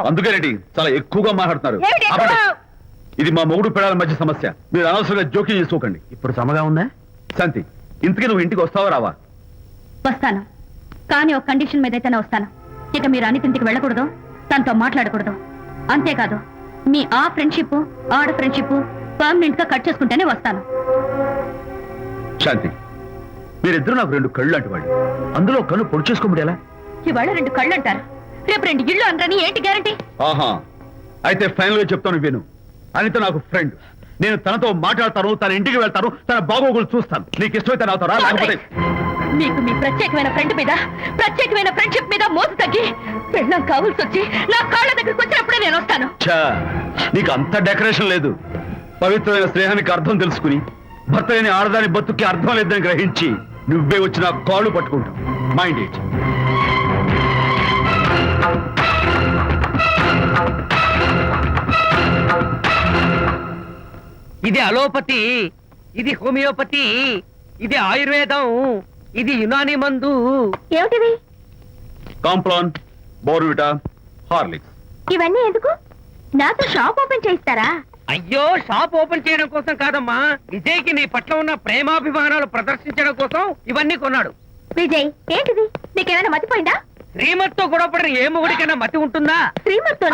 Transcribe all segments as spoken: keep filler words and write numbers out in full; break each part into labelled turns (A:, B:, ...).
A: మాట్లాడుతున్నావు?
B: అందుకేనండి చాలా ఎక్కువగా మాట్లాడుతున్నారు. ఇది మా మొగుడు పిల్లల మధ్య సమస్య. మీరు అనవసరంగా జోక్యం చేసుకోకండి.
C: ఇప్పుడు సమగా ఉందా?
B: శాంతి, ఇంతకీ నువ్వు ఇంటికి వస్తావా రావా?
A: వస్తాను, కానీ ఒక కండిషన్ మీద అయితేనే వస్తాను. ఇక మీరు అనిత ఇంటికి వెళ్ళకూడదు, తనతో మాట్లాడకూడదు. అంతేకాదు, మీ ఆ ఫ్రెండ్షిప్ ఆడ ఫ్రెండ్షిప్ పర్మనెంట్ గా కట్ చేసుకుంటేనే వస్తాను.
B: శాంతి, మీరిద్దరు నాకు రెండు కళ్ళు లాంటి వాళ్ళు. అందులో కళ్ళు పొడి చేసుకోమడి ఎలా?
A: ఇవాళ రెండు కళ్ళు అంటారు, రేపు రెండు ఇళ్ళు అంటారని ఏంటి గ్యారంటీ?
B: ఆహా, అయితే ఫైనల్ గా చెప్తాను విను. అనిత నాకు ఫ్రెండ్. నేను తనతో మాట్లాడతాను, తన ఇంటికి వెళ్తాను, తన బాగోగులు చూస్తాను. నీకు ఇష్టమైతే నాతో రా, లేకపోతే
A: మీకు మీ ప్రత్యేకమైన ఫ్రెండ్ మీద ప్రత్యేకమైన ఫ్రెండ్షిప్ మీద మోసు తగ్గి పెళ్ళం కావాల్సి వచ్చి నా కాళ్ళ దగ్గరికి వచ్చినప్పుడే నేను వస్తాను.
B: ఛా, నీకు అంత డెకరేషన్ లేదు. పవిత్రమైన స్నేహానికి అర్థం తెలుసుకుని భర్త లేని ఆడదాని బతుక్కి అర్థం లేదని గ్రహించి నువ్వే వచ్చి నా కాళ్ళు పట్టుకుంటావు. Mind it.
C: ఇది అలోపతి, ఇది హోమియోపతి, ఇది ఆయుర్వేదం, ఇది యునాని మందు.
A: ఏమిటివి?
B: Complan, Bournvita, Horlicks.
A: ఇవన్నీ ఎందుకు? నాతో షాప్ ఓపెన్ చేయిస్తారా?
C: అయ్యో, షాప్ ఓపెన్ చేయడం కోసం కాదమ్మా, విజయ్కి నీ పట్ల ఉన్న ప్రేమాభిమానాలు ప్రదర్శించడం కోసం ఇవన్నీ కొన్నాడు.
A: విజయ్, ఏంటిది? నీకేమైనా మతిపోయిందా?
C: శ్రీమతితో గొడవపడిన ఏ మొగుడికైనా మతి ఉంటుందా?
A: శ్రీమతితో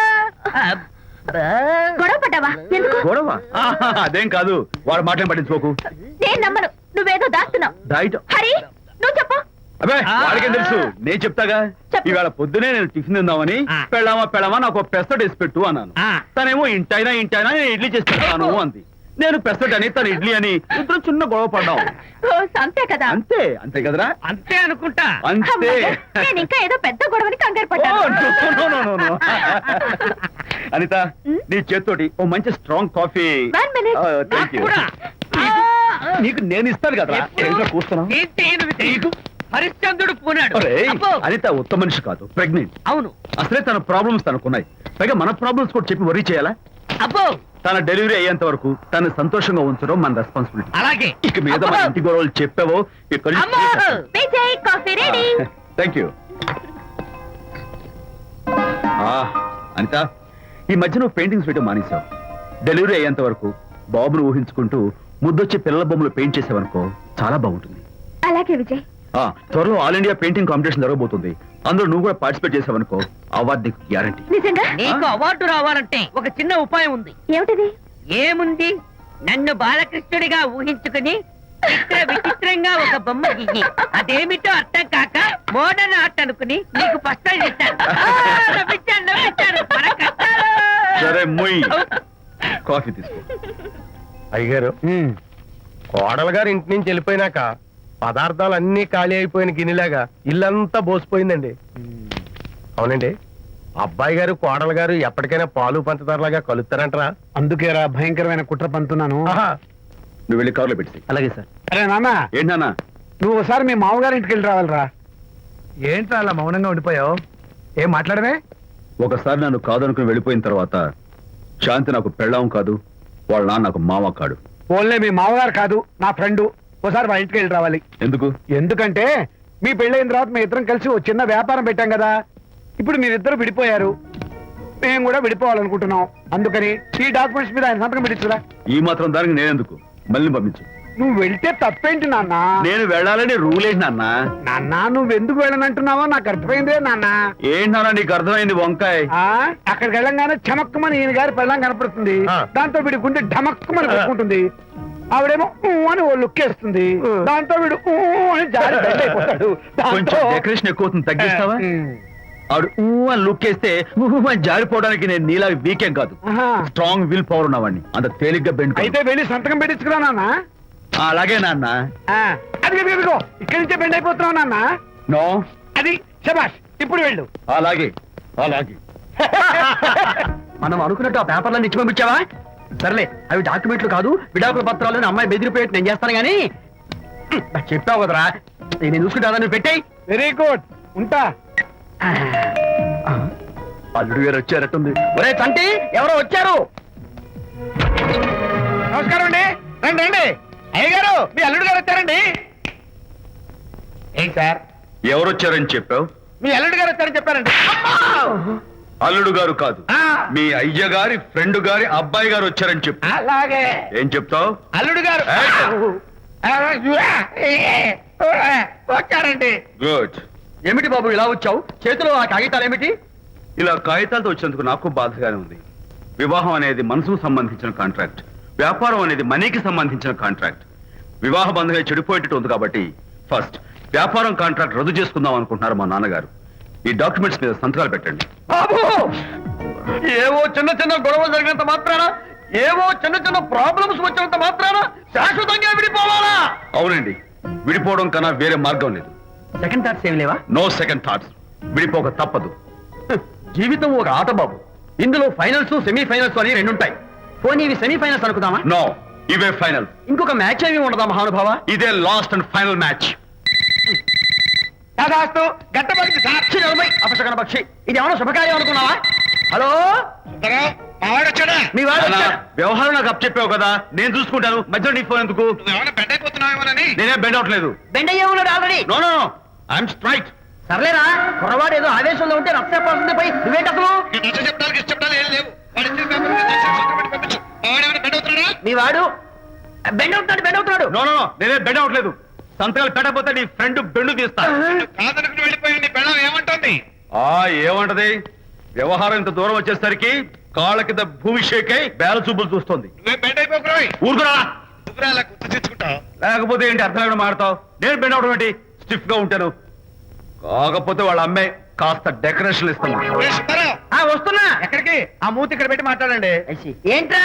A: గొడవ పడ్డావా? ఎందుకు
B: గొడవ? ఆహా, అదేం కాదు. వాడు మాటలు పట్టించుకోకు.
A: నేను నమ్మను, నువ్వేదో దాస్తున్నావు.
B: డైట్.
A: హరి, నువ్వు చెప్పు.
B: అబ్బే, వాడికేం తెలుసు, నేను చెప్తాగా.
A: చెప్పు.
B: ఇవాళ పొద్దునే నేను టిఫిన్ తిందామని
C: ఆ.
B: పెళ్ళామా పెళ్ళామా నాకు పెసట్ వేసి పెట్టు అన్నాను.
C: ఆ.
B: తనేమో ఇంటైనా ఇంటైనా నేను ఇడ్లీ చేసి పెడతాను అంది. నేను పెసట్ అని తను ఇడ్లీ అని ఇద్దరు చిన్న గొడవ పడ్డాం.
A: ఓ, అంతే కదా?
B: అంతే అంతే కదరా?
C: అంతే అనుకుంటా.
B: అంతే.
A: అమ్మయ్య, నేను ఇంకా ఏదో పెద్ద గొడవని కంగారు
B: ఓ,
A: పడ్డాను.
B: no, no, no, no, no. Anitha, నీ చేత్తోటి ఓ మంచి strong coffee.
A: One minute.
B: Thank you.
C: కూడా.
B: నీకు నేను ఇస్తాను కదా. కూర్చున్నా.
C: ఏంటి ఈయన విజయ్? హరిశ్చంద్రుడు పూనాడు. అబ్బో.
B: అనిత ఉత్తమ మనిషి కాదు, ప్రెగ్నెంట్.
C: అవును.
B: అసలే తన ప్రాబ్లమ్స్ తనకున్నాయి. పైగా మన ప్రాబ్లమ్స్ కూడా చెప్పి వరీ చేయాలా?
C: అబ్బో,
B: తన డెలివరీ అయ్యేంత వరకు తను సంతోషంగా ఉంచడం మన రెస్పాన్సిబిలిటీ.
C: అలాగే.
B: ఇక మీద మన ఇంటి గొడవలు చెప్పావో ఇక్కడ
C: అమ్మో.
A: Vijay, coffee ready.
B: Thank you. Anitha, ఈ మధ్య నువ్వు పెయింటింగ్స్ వేయడం మానేశావు. డెలివరీ అయ్యేంత వరకు బాబును ఊహించుకుంటూ ముద్దొచ్చి పిల్లల బొమ్మలు పెయింట్ చేసావనుకో చాలా బాగుంటుంది.
A: అలాగే విజయ్.
B: ఆ, త్వరలో ఆల్ ఇండియా పెయింటింగ్ కాంపిటీషన్ జరగబోతుంది. అందులో నువ్వు కూడా పార్టిసిపేట్ చేసావనుకో అవార్డు నీకు గ్యారంటీ.
A: నిజంగా?
C: నీకు అవార్డు రావాలంటే ఒక చిన్న ఉపాయం ఉంది.
A: ఏమిటిది?
C: ఏముంది, నన్ను బాలకృష్ణుడిగా ఊహించుకుని చిత్ర విచిత్రంగా ఒక బొమ్మ గీయి అదేమిటో అర్థం కాక మోడర్న్ ఆర్ట్ అనుకుని నీకు ఫస్ట్ ఇస్తాను. నవ్వించాను, నవ్వించాను. మన కష్టాలు.
B: సరే మొయ్, కాఫీ తీసుకో.
D: అయ్యగారు, కోడలు గారు ఇంటి నుంచి వెళ్ళిపోయినాక పదార్థాలు అన్ని ఖాళీ అయిపోయిన గిన్నెలాగా ఇల్లంతా బోసిపోయిందండి. అవునండి, అబ్బాయి గారు కోడలు గారు ఎప్పటికైనా పాలు పంచదారలాగా కలుస్తారంటరా?
E: అందుకేరా భయంకరమైన కుట్ర పంతున్నాను.
B: నువ్వు వెళ్ళి కారులో పెట్టి.
C: అలాగే సార్.
E: అరే నాన్న,
B: ఏంటన్నా?
E: నువ్వు ఒకసారి మీ మామగారి ఇంటికి వెళ్ళి రావాలిరా. ఏంట్రా అలా మౌనంగా ఉండిపోయావు? ఏం మాట్లాడమే?
B: ఒకసారి నన్ను కాదనుకుని వెళ్ళిపోయిన తర్వాత శాంతి నాకు పెళ్ళాం కాదు, వాళ్ళ నాన్న నాకు మామ కాడు.
E: ఓన్లే మీ మామగారు కాదు, నా ఫ్రెండ్. ఒకసారి మా ఇంటికి వెళ్ళి రావాలి.
B: ఎందుకు?
E: ఎందుకంటే మీ పెళ్ళైన తర్వాత మీ ఇద్దరం కలిసి ఒక చిన్న వ్యాపారం పెట్టాం కదా. ఇప్పుడు మీరిద్దరు విడిపోయారు, మేము కూడా విడిపోవాలనుకుంటున్నాం. అందుకని ఈ డాక్యుమెంట్స్ మీద ఆయన సంతకం పెట్టించురా.
B: ఈ మాత్రం దానికి నేనెందుకు? మళ్ళీ పంపించు.
E: నువ్వు వెళ్తే తప్పేంటి నాన్న?
B: నేను వెళ్ళాలని రూల్ ఏంటి నాన్న?
E: నాన్న, నువ్వు ఎందుకు వెళ్ళనంటున్నావో నాకు అర్థమైందే నాన్న.
B: ఏంటి నాన్న నీకు అర్థమైంది వంకాయ?
E: ఆ అక్కడికి వెళ్ళంగానే చమక్కమని ఈయన గారి పెళ్ళం కనపడుతుంది. దాంతో వీడి గుండె ఢమక్కమని కొట్టుకుంటుంది. ఆవిడేమో ఊ అని ఓ లుక్ వేస్తుంది. దాంతో వీడు ఊ అని జారి బెడ్ అయిపోతాడు.
B: కొంచెం డెకరేషన్ ఎక్కువ అవుతుంది, తగ్గిస్తావా? ఆవిడ ఊ అని లుక్ వేస్తే ఊ అని జారిపోవడానికి నేను నీలా వీకేం కాదు, స్ట్రాంగ్ విల్ పవర్ ఉన్నవాడిని. అంత తేలిగ్గా బెండ్.
E: అయితే వెళ్ళి సంతకం పెట్టించుకురా నాన్న.
B: అలాగే నాన్న.
E: అది ఇదిగో ఇక్కడి నుంచే బెండ్ అయిపోతున్నావు నాన్న.
B: నో,
E: అది శబాష్, ఇప్పుడు వెళ్ళు.
B: అలాగే అలాగే.
C: మనం అనుకున్నట్టు ఆ పేపర్లను ఇచ్చి పంపించావా? సర్లే, అవి డాక్యుమెంట్లు కాదు, విడాకుల పత్రాలు. అమ్మాయి బెదిరిపోయేట్టు నేను చేస్తాను గానీ చెప్పావు కదరా, నేను చూసుకుంటా. నువ్వు పెట్టాయి.
E: వెరీ గుడ్, ఉంటా.
B: అల్లుడు గారు వచ్చారట్టుంది.
C: ఒరే తంటి, ఎవరో వచ్చారు.
E: నమస్కారం అండి. రండి రండి. అయ్య గారు, మీ అల్లుడు గారు వచ్చారండి.
D: ఏంటి సార్,
B: ఎవరు వచ్చారని చెప్పావు?
E: మీ అల్లుడు గారు వచ్చారని చెప్పారండి.
B: అల్లుడు గారు కాదు,
E: ఆ.
B: మీ అయ్య గారి ఫ్రెండ్ గారి అబ్బాయి గారు వచ్చారని చెప్పు.
E: అలాగే
B: ఏం చెప్తావు?
E: అల్లుడు గారు వచ్చారండి.
B: గుడ్.
D: ఏమిటి బాబు ఇలా వచ్చావు? చేతిలో ఆ కాగితాలు ఏమిటి?
B: ఇలా కాగితాలతో వచ్చినందుకు నాకు బాధగానే ఉంది. వివాహం అనేది మనసుకు సంబంధించిన కాంట్రాక్ట్, వ్యాపారం అనేది మనీకి సంబంధించిన కాంట్రాక్ట్. వివాహ బంధంగా చెడిపోయేటట్టు ఉంది కాబట్టి ఫస్ట్ వ్యాపారం కాంట్రాక్ట్ రద్దు చేసుకుందాం అనుకుంటున్నారు మా నాన్నగారు. ఈ డాక్యుమెంట్స్ మీద సంతకాలు పెట్టండి.
D: బాబు, ఏవో చిన్న చిన్న గొడవలు జరిగినంత మాత్రాన, ఏవో చిన్న చిన్న ప్రాబ్లమ్స్ వచ్చినంత మాత్రాన శాశ్వతంగా విడిపోవాలా?
B: అవునండి, విడిపోవడం కన్నా వేరే మార్గం లేదు.
D: సెకండ్ థాట్స్ ఏమి లేవా?
B: No second thoughts. విడిపోక తప్పదు.
D: జీవితం ఒక ఆట బాబు. ఇందులో ఫైనల్స్ సెమీ ఫైనల్స్ అని రెండు ఉంటాయి. పోనీ ఇవి సెమీ ఫైనల్స్ అనుకుందామా?
B: నో, ఇవే ఫైనల్.
D: ఇంకొక మ్యాచ్ ఏమి ఉండదా మహానుభావ?
B: ఇదే లాస్ట్ అండ్ ఫైనల్ మ్యాచ్.
E: దాదాస్తు గట్టబడింది సార్.
D: ఛీ, నలభై అపశకన పక్షి. ఇది ఏమైనా శుభకార్యం అనుకున్నావా? హలో,
E: మావాడు వచ్చాడా?
D: మీ వాడు
B: నాన్న,
D: వచ్చాడా?
B: వ్యవహారం నాకు అప్ చెప్పావు కదా, నేను చూసుకుంటాను. మధ్యలో నీకు ఫోన్ ఎందుకు?
E: ఏమైనా బెడ్ అయిపోతున్నావేమోనని.
B: నేనే బెండ్ అవట్లేదు.
D: బెండ్ అయ్యే ఉన్నాడు already.
B: No no I'm straight.
D: సర్లేరా, కుర్రవాడు ఏదో ఆవేశంలో ఉంటే రక్తపోతుంది పోయి నువ్వేంటి అసలు?
E: ఈ నచ్చ చెప్తానికి ఇష్టపడాలి ఏం లేవు. వాడు ఇచ్చిన పేపర్ మీద దర్శనం సంతకం పెట్టి పంపించు. మావాడు ఏమైనా బెడ్ అవుతున్నాడా?
D: మీ వాడు బెండ్ అవుతున్నాడు, బెండ్ అవుతున్నాడు.
B: నో నో నేనే బెండ్ అవట్లేదు. సంతకాలు పెట్టకపోతే నీ ఫ్రెండ్ బెండు తీస్తా.
E: కాదనుకుని వెళ్ళిపోయి నీ పెళ్ళం ఏమంటుంది?
B: ఆ ఏమంటది? వ్యవహారం ఇంత దూరం వచ్చేసరికి కాళ్ళ కింద భూమి షేకై బేల చూపులు చూస్తోంది.
E: నువ్వే బెడ్ అయిపోకురాయి.
B: ఊరుకురా.
E: నువ్వురా అలా గుర్తు తెచ్చుకుంటావు.
B: లేకపోతే ఏంటి అర్థం లేకుండా మాడతావు? నేను బెండ్ అవడం ఏంటి? స్టిఫ్ గా ఉంటాను. కాకపోతే వాళ్ళ అమ్మాయి కాస్త డెకరేషన్ ఇస్తాను.
E: ఏ సుబ్బారావు,
D: ఆ, వస్తున్నా.
E: ఎక్కడికి? ఆ మూతి ఇక్కడ పెట్టి మాట్లాడండి.
D: ఏంట్రా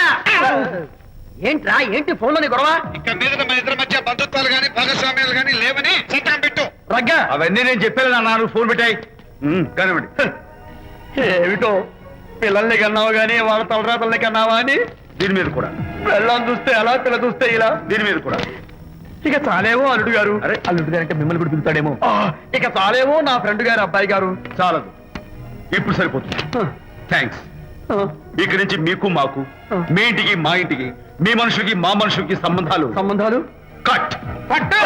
D: ఏంట్రా ఏంటి ఫోన్ లోని గొడవ?
E: ఇక మీద మన ఇద్దరి మధ్య బంధుత్వాలు గాని భాగస్వామ్యాలు గాని లేవని సంతకం పెట్టు.
D: రగ్గా
B: అవన్నీ నేను చెప్పాను నాన్న, ఫోన్ పెట్టాయి. కానివ్వండి.
D: ఏమిటో పిల్లల్ని కన్నావు గానీ వాళ్ళ తలరాతల్ని కన్నావా అని.
B: దీని మీద కూడా,
D: పిల్లల్ని చూస్తే అలా, పిల్ల చూస్తే ఇలా.
B: దీని మీద కూడా.
D: ఇక చాలేమో అల్లుడు గారు.
B: అరే,
D: అల్లుడు గారు అంటే మిమ్మల్ని కూడా పిలుతాడేమో. ఆ, ఇక చాలేమో నా ఫ్రెండ్ గారు అబ్బాయి గారు.
B: చాలదు, ఇప్పుడు సరిపోతుంది. థ్యాంక్స్.
D: ఆ,
B: ఇక్కడి నుంచి మీకు మాకు, మీ ఇంటికి మా ఇంటికి, మీ మనుషులకి మా మనుషులకి సంబంధాలు
D: సంబంధాలు
B: కట్.
D: పట్టు.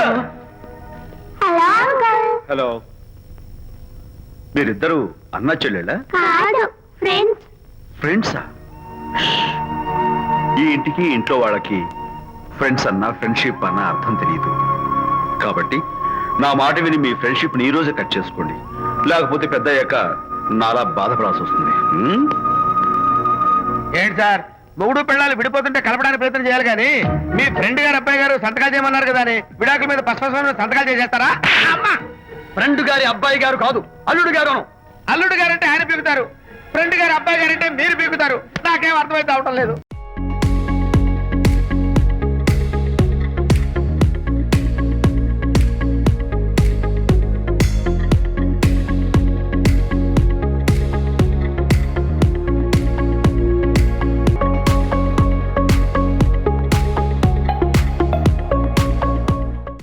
B: హలో, మీరిద్దరు అన్నా చెల్లెళ్ళా?
A: కాదు, ఫ్రెండ్స్.
B: ఫ్రెండ్సా? ఈ ఇంటికి ఇంట్లో వాళ్ళకి ఫ్రెండ్స్ అన్న ఫ్రెండ్షిప్ అన్న అర్థం తెలియదు. కాబట్టి నా మాట విని మీ ఫ్రెండ్షిప్ ని ఈ రోజే కట్ చేసుకోండి. లేకపోతే పెద్ద అయ్యాక నాలా బాధపడాల్సి వస్తుంది. హ్మ్?
E: ఏంటి సార్, మొగుడు పిల్లలు విడిపోతుంటే కలపడానికి ప్రయత్నం చేయాలి కానీ మీ ఫ్రెండ్ గారు అబ్బాయి గారు సంతకాలు చేయమన్నారు కదా అని విడాకుల మీద పశ్చిమ సంతకాలు చేసేస్తారా? అమ్మా,
D: ఫ్రెండ్ గారి అబ్బాయి గారు కాదు, అల్లుడు గారు.
E: అల్లుడు గారంటే ఆయన పీకుతారు, ఫ్రెండ్ గారు అబ్బాయి గారంటే మీరు పీకుతారు. నాకేం అర్థమైతే అవటం లేదు.